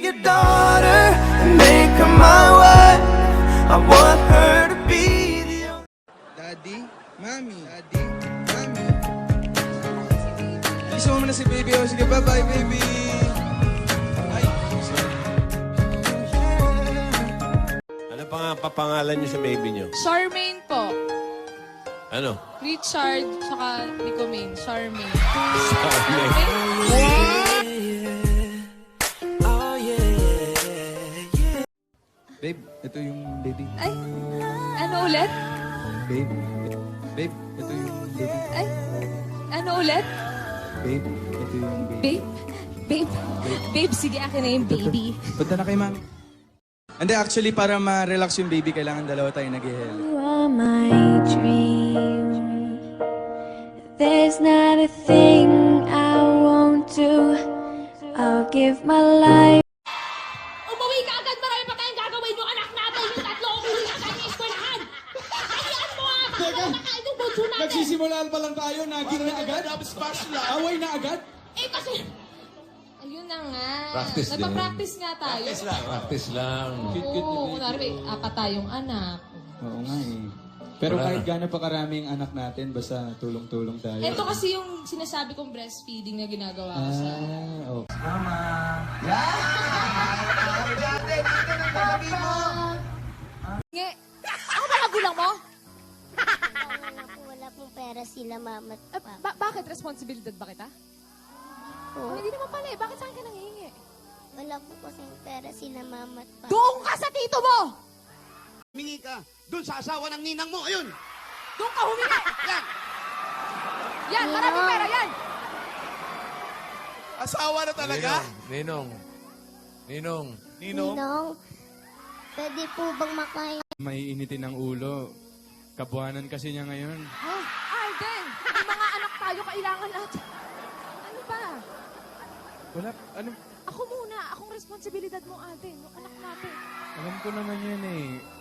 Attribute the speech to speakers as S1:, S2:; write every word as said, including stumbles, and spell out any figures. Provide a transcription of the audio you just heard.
S1: your daughter and make her my wife. I want her to be the only.
S2: Daddy, Mami, Daddy, Mami. Kiss mo muna si baby. O, sige, bye-bye, baby. Ay,
S3: Ano pa nga papangalan niyo sa baby niyo?
S4: Charmaine po.
S3: Ano?
S4: Richard, saka Ricomaine. Charmaine.
S2: babe, ito yung baby.
S4: Ay, ano ulit?
S2: Babe, babe, ito yung baby.
S4: Ay, ano ulit?
S2: Babe, ito yung baby.
S4: Babe? Babe? Babe, sige, akin na yung baby.
S2: Punta na kay Mami. Hindi, actually, para ma-relax yung baby, kailangan dalawa tayo nag-ihel.
S5: You are my dream. There's not a thing I won't do. I'll give my life.
S6: Umuwi ka agad! Marami pa tayong gagawin yung anak natin! Yung tatlo umuwi ka agad ng eskwelahan! Hayaan mo ah! Teka! Nakain yung bunso natin!
S2: Nagsisimula pa lang tayo, naging na agad? Away na agad?
S6: Eh kasi...
S4: Ayun na nga.
S3: Practice din.
S4: Nagpa-practice nga tayo.
S3: Practice lang.
S4: Oo, kunwari may apat tayong anak.
S2: Oo nga eh. Pero
S3: Wala
S2: kahit
S3: na.
S2: gaano pa karami ang anak natin, basta tulong-tulong tayo.
S4: Ito kasi yung sinasabi kong breastfeeding na ginagawa ko sa...
S2: Ah, okay.
S4: Nge, ako ba magulang mo?
S7: Wala po, wala pong pera sila mama at
S4: Ah,
S7: papa.
S4: ba- bakit? Responsibilidad ba kita? Oh,
S7: Po.
S4: hindi naman pala eh. Bakit saan ka nangihingi?
S7: Wala po kasing pera sila mama at papa.
S4: Doon ka sa tito mo!
S8: Humingi ka doon sa asawa ng ninang mo. Ayun.
S4: Doon ka humingi!
S8: Yan.
S4: Yan, maraming pera yan!
S8: Asawa na talaga?
S3: Ninong. Ninong.
S8: Ninong.
S7: Ninong, pwede po bang makain?
S2: May initin ng ulo. Kabuhanan kasi niya ngayon.
S4: Ha? Alden! May mga anak tayo kailangan natin. Ano ba?
S2: Wala, ano,
S4: Ako muna. Akong responsibilidad mo, Alden. Yung anak natin.
S2: alam ko naman yun eh.